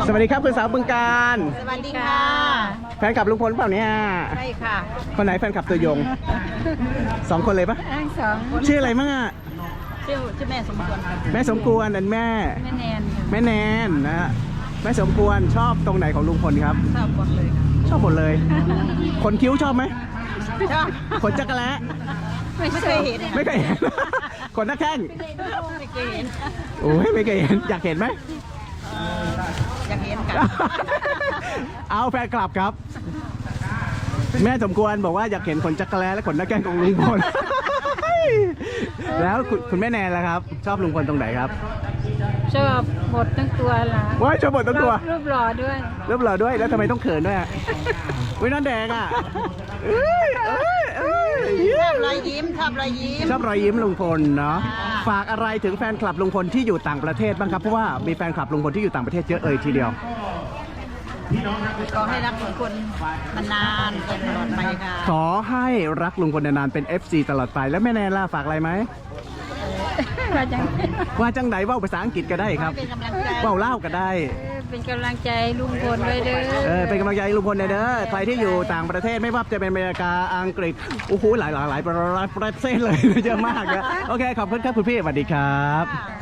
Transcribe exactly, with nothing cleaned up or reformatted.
สวัสดีครับคุณสาวบึงการสวัสดีค่ะแฟนคลับลุงพลเปล่าเนี่ยใช่ค่ะคนไหนแฟนคลับตัวยงสองคนเลยปะทั้งสองชื่ออะไรมั่งอ่ะชื่อชื่อแม่สมควรค่ะแม่สมควรนั่นแม่แม่แนนค่ะแม่แนนนะฮะแม่สมควรชอบตรงไหนของลุงพลครับชอบหมดเลยค่ะชอบหมดเลยขนคิ้วชอบไหมชอบขนจักรแล้ไม่เคยเห็นไม่เคยเห็น ขนหน้าแข้งไม่เคยเห็นโอ้ยไม่เคยเห็นอยากเห็นไหมอยากเห็นกันเอาแฟนคลับครับ แม่สมควรบอกว่าอยากเห็นขนจักรแล้และขนหน้าแข้งของลุงพล แล้วคุณคุณแม่แนนล่ะครับ ชอบลุงพลตรงไหนครับชอบบททั้งตัวล่ะว้ายชอบบททั้งตัวรูปหล่อด้วยเรียบร้อยด้วยแล้วทำไมต้องเขินด้วยอ่ะวินั่นแดงอ่ะเอ้ยเอ้ยเอ้ยชอบรอยยิ้มชอบรอยยิ้มชอบรอยยิ้มลุงพลเนาะค่ะฝากอะไรถึงแฟนคลับลุงพลที่อยู่ต่างประเทศบ้างครับเพราะว่ามีแฟนคลับลุงพลที่อยู่ต่างประเทศเยอะเอ่ยทีเดียวขอให้รักทุกคนนานๆตลอดไปค่ะขอให้รักลุงพลนานๆเป็น เอฟ ซี ตลอดไปแล้วแม่แนนล่ะฝากอะไรไหมว่าจังว่าจังไหนเว่าภาษาอังกฤษก็ได้ครับเป็นกำลังใจเว่าเล่าวก็ได้เออเป็นกำลังใจลุงพลไว้เด้อเออเป็นกำลังใจให้ลุงพลหน่อยเด้อใครที่อยู่ต่างประเทศไม่ว่าจะเป็นอเมริกาอังกฤษโอ้โหหลายหลายหลายประเทศเลย เยอะมากนะโอเคขอบคุณครับคุณพี่สวัสดีครับค่ะ